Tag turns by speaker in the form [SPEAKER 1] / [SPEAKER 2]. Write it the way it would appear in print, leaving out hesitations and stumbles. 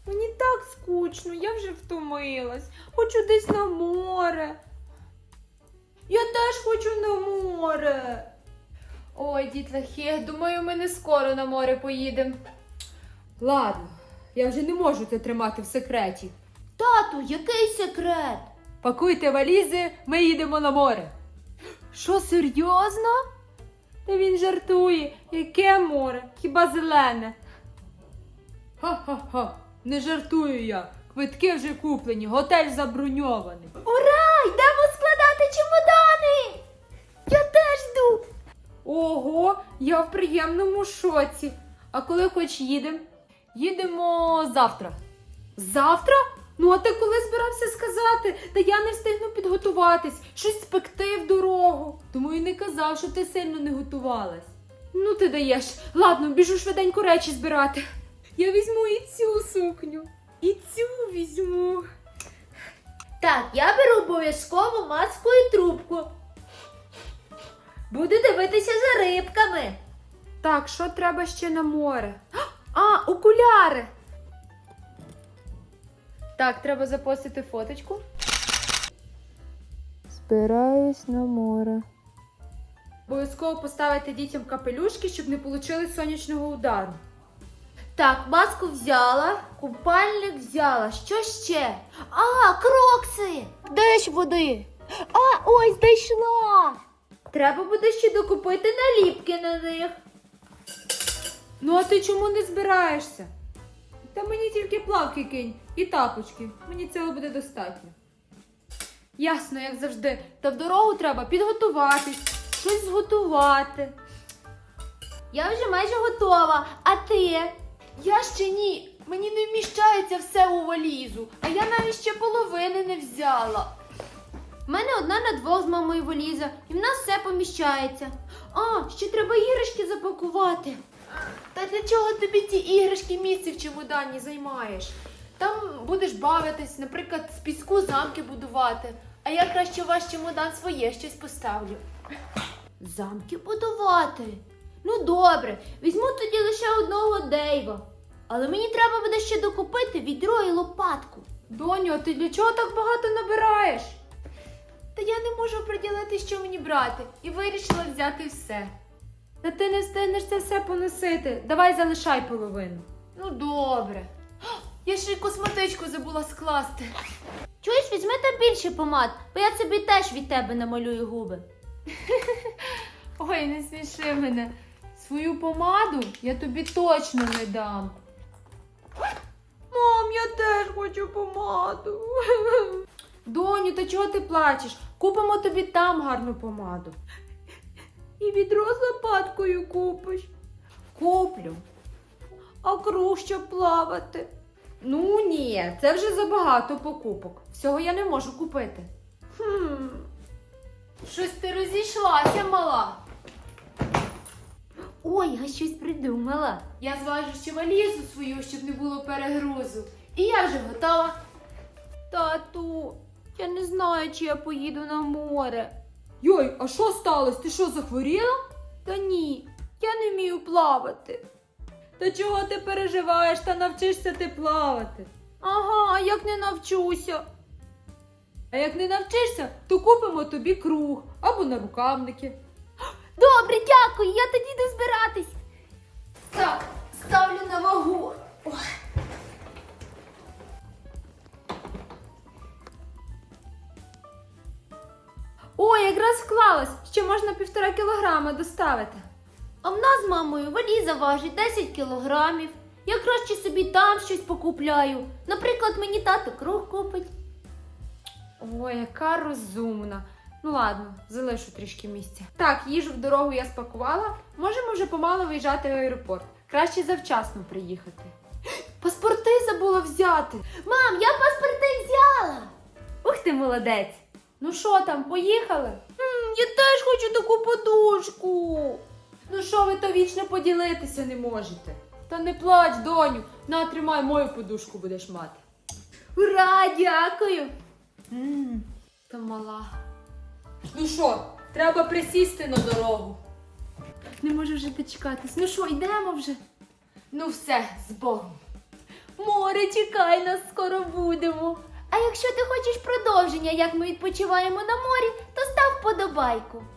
[SPEAKER 1] Мені так скучно, я вже втомилась. Хочу десь на море. Я теж хочу на море.
[SPEAKER 2] Ой, дітлахи, думаю, ми не скоро на море поїдемо.
[SPEAKER 1] Ладно, я вже не можу це тримати в секреті.
[SPEAKER 3] Тату, який секрет?
[SPEAKER 1] Пакуйте валізи, ми їдемо на море. Що, серйозно? Та він жартує. Яке море? Хіба зелене? Ха-ха-ха, не жартую я. Квитки вже куплені, готель заброньований.
[SPEAKER 3] Ура! Йдемо складати чемодани! Я теж йду!
[SPEAKER 1] Ого, я в приємному шоці. А коли хоч їдемо? Їдемо завтра. Завтра? Ну, а ти коли збирався сказати? Та я не встигну підготуватись, щось спекти в дорогу. Тому і не казав, що ти сильно не готувалась. Ну ти даєш. Ладно, біжу швиденько речі збирати. Я візьму і цю сукню, і цю візьму.
[SPEAKER 3] Так, я беру обов'язково маску і трубку. Буду дивитися за рибками.
[SPEAKER 1] Так, що треба ще на море? А, окуляри! Так, треба запостити фоточку. Збираюсь на море. Обов'язково поставити дітям капелюшки, щоб не отримали сонячного удару.
[SPEAKER 3] Так, маску взяла, купальник взяла. Що ще? А, крокси! Де ж води? А, ось знайшла! Треба буде ще докупити наліпки на них.
[SPEAKER 1] Ну а ти чому не збираєшся? Та мені тільки плавки кинь і тапочки. Мені цього буде достатньо. Ясно, як завжди. Та в дорогу треба підготуватись, щось зготувати.
[SPEAKER 3] Я вже майже готова, а ти?
[SPEAKER 2] Я ще ні. Мені не вміщається все у валізу, а я навіть ще половини не взяла.
[SPEAKER 3] У мене одна на двох з мамою валіза, і в нас все поміщається. А, ще треба іграшки запакувати.
[SPEAKER 2] Та для чого тобі ті іграшки місце в чемодані займаєш? Там будеш бавитись, наприклад, з піску замки будувати. А я краще в ваш чемодан своє щось поставлю.
[SPEAKER 3] Замки будувати? Ну добре, візьму тоді лише одного Дейва. Але мені треба буде ще докупити відро і лопатку.
[SPEAKER 1] Доню, а ти для чого так багато набираєш?
[SPEAKER 2] Та я не можу приділити, що мені брати, і вирішила взяти все.
[SPEAKER 1] Та ти не встигнеш це все поносити. Давай залишай половину.
[SPEAKER 2] Ну добре. Я ще й косметичку забула скласти.
[SPEAKER 3] Чуєш, візьми там більше помад, бо я собі теж від тебе намалюю губи.
[SPEAKER 1] Ой, не сміши мене. Свою помаду я тобі точно не дам. Мам, я теж хочу помаду. Доню, та чого ти плачеш? Купимо тобі там гарну помаду. І відро з лопаткою купиш. Куплю. А круг, щоб плавати. Ну ні, це вже забагато покупок. Всього я не можу купити.
[SPEAKER 2] Щось ти розійшлася, мала.
[SPEAKER 3] Ой, я щось придумала.
[SPEAKER 2] Я зважу ще валізу свою, щоб не було перегрузу. І я вже готова.
[SPEAKER 3] Тату, я не знаю, чи я поїду на море.
[SPEAKER 1] Йой, а що сталося? Ти що, захворіла?
[SPEAKER 3] Та ні, я не вмію плавати.
[SPEAKER 1] Та чого ти переживаєш, та навчишся ти плавати?
[SPEAKER 3] Ага, а як не навчуся?
[SPEAKER 1] А як не навчишся, то купимо тобі круг або нарукавники.
[SPEAKER 3] Добре, дякую, я тоді йду збиратись.
[SPEAKER 2] Так, ставлю на вагу.
[SPEAKER 1] Ой, якраз вклалась, ще можна 1,5 кілограма доставити.
[SPEAKER 3] А в нас з мамою валіза важить 10 кілограмів. Я краще собі там щось покупляю. Наприклад, мені тато круг купить.
[SPEAKER 1] Ой, яка розумна. Ну ладно, залишу трішки місця. Так, їжу в дорогу я спакувала. Можемо вже помало виїжджати в аеропорт. Краще завчасно приїхати. Паспорти забула взяти.
[SPEAKER 3] Мам, я паспорти взяла.
[SPEAKER 1] Ух ти, молодець. Ну що там, поїхали?
[SPEAKER 3] Я теж хочу таку подушку.
[SPEAKER 1] Ну що ви то вічно поділитися не можете? Та не плач, доню. На, тримай, мою подушку будеш мати.
[SPEAKER 3] Ура, дякую.
[SPEAKER 1] Та мала. Ну що, треба присісти на дорогу. Не можу вже дочекатись. Ну що, йдемо вже?
[SPEAKER 2] Ну все, з Богом.
[SPEAKER 1] Море, чекай, нас скоро будемо.
[SPEAKER 3] А якщо ти хочеш продовження, як ми відпочиваємо на морі, то став вподобайку.